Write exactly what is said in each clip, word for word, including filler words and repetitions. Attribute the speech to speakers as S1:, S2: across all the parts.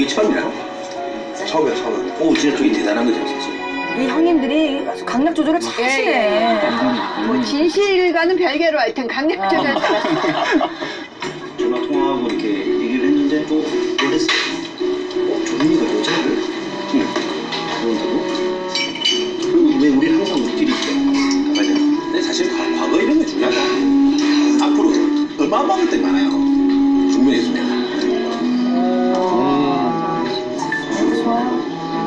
S1: 처음이야?
S2: 처음이야, 처음이야.
S1: 오, 진짜 그게 대단한 거죠, 사실.
S3: 이 형님들이 아주 강약 조절을 잘하시네.
S4: 뭐 진실과는 별개로 하여튼 강력 조절 잘했어.
S1: 전화 통화하고 이렇게 얘기를 했는데 또 그랬어. 어, 조민이가 여자를? 응. 그런다고? 그리고 왜 우리 항상 우리끼리 있대? 맞아. 근데 사실 과, 과거 이런 게 중요하다. 앞으로 어마어마한 것들이 많아요. 중면에 있으면.
S3: 좋아요.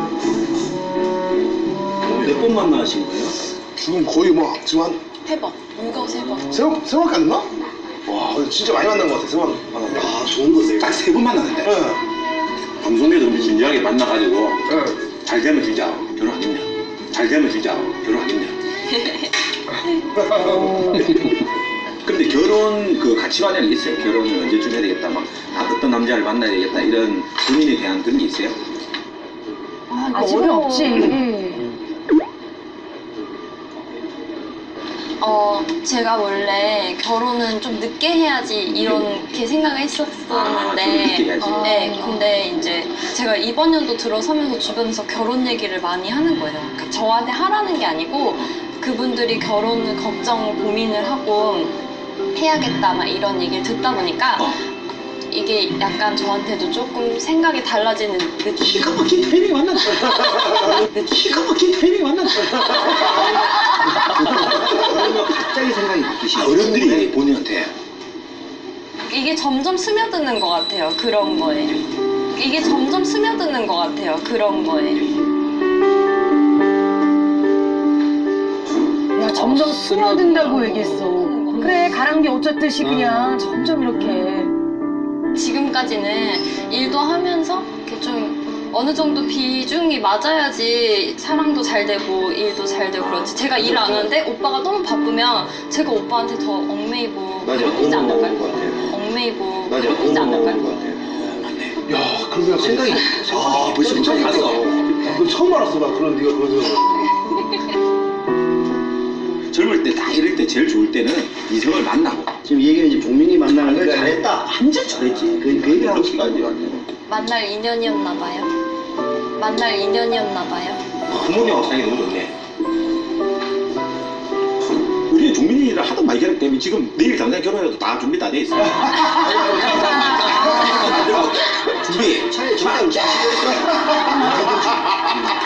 S1: 몇 번 만나신 거예요?
S2: 지금 거의 뭐, 지금 한,
S5: 세 번. 물건 세 번.
S2: 세 번, 세 번밖에 안 됐나? 와, 진짜 많이 만난 것 같아, 세 번 만났네.
S1: 아, 좋은 거세요. 딱 세 번 만났는데.
S2: 네.
S1: 방송에서 우리 진지하게 만나가지고
S2: 네.
S1: 잘 되면 진짜 결혼하겠냐? 잘 되면 진짜 결혼하겠냐? 근데 결혼 그 가치관이 있어요? 결혼을 언제쯤 해야 되겠다, 막 아, 어떤 남자를 만나야 되겠다 이런 본인에 대한 그런 게 있어요?
S3: 아, 이거
S4: 아직은
S3: 어려워.
S4: 없지.
S5: 어, 제가 원래 결혼은 좀 늦게 해야지 이렇게 생각을 했었었는데,
S1: 아, 좀 늦게 해야지.
S5: 네, 근데 이제 제가 이번 연도 들어서면서 주변에서 결혼 얘기를 많이 하는 거예요. 그러니까 저한테 하라는 게 아니고 그분들이 결혼을 걱정, 고민을 하고 해야겠다 막 이런 얘기를 듣다 보니까
S1: 어.
S5: 이게 약간 저한테도 조금 생각이 달라지는 느낌.
S1: 기가 막힌 타이밍 만났다. 기가 막힌 타이밍 만났다. 그러면 갑자기 생각이 바뀌시죠? 어른들이 본인한테
S5: 이게 점점 스며드는 것 같아요. 그런 거에. 이게 점점 스며드는 것 같아요. 그런 거에.
S3: 야, 점점 스며든다고 얘기했어. 그래, 가랑비 어쩌듯이 그냥 점점 이렇게.
S5: 지금까지는 일도 하면서 이렇게 좀 어느 정도 비중이 맞아야지 사랑도 잘 되고 일도 잘 되고 그렇지. 제가 일 안 하는데 오빠가 너무 바쁘면 제가 오빠한테 더 얽매이고 괴롭히지 않을까요? 얽매이고 괴롭히지 않을까요?
S2: 야, 그런 생각
S1: 생각이 아, 벌써
S2: 처음
S1: 생각이
S2: 알았어.
S1: 났어.
S2: 너 처음 알았어, 나 그런, 네가 그런 생각.
S1: 젊을 때 딱 이럴 때 제일 좋을 때는 이성을 만나고
S6: 지금 이 얘기는 이제 종민이 만나는 걸
S1: 그래.
S6: 잘했다.
S1: 완전 잘했지.
S6: 그, 그 얘기를 하고 싶다.
S5: 만날 인연이었나 봐요. 만날 인연이었나 봐요.
S1: 부모님하고 사이가 너무 좋네. 우리는 종민이를 하도 많이 결혼 때문에 지금 내일 당장 결혼해도 다 준비 다 돼 있어. 준비.
S6: 차라리 저랑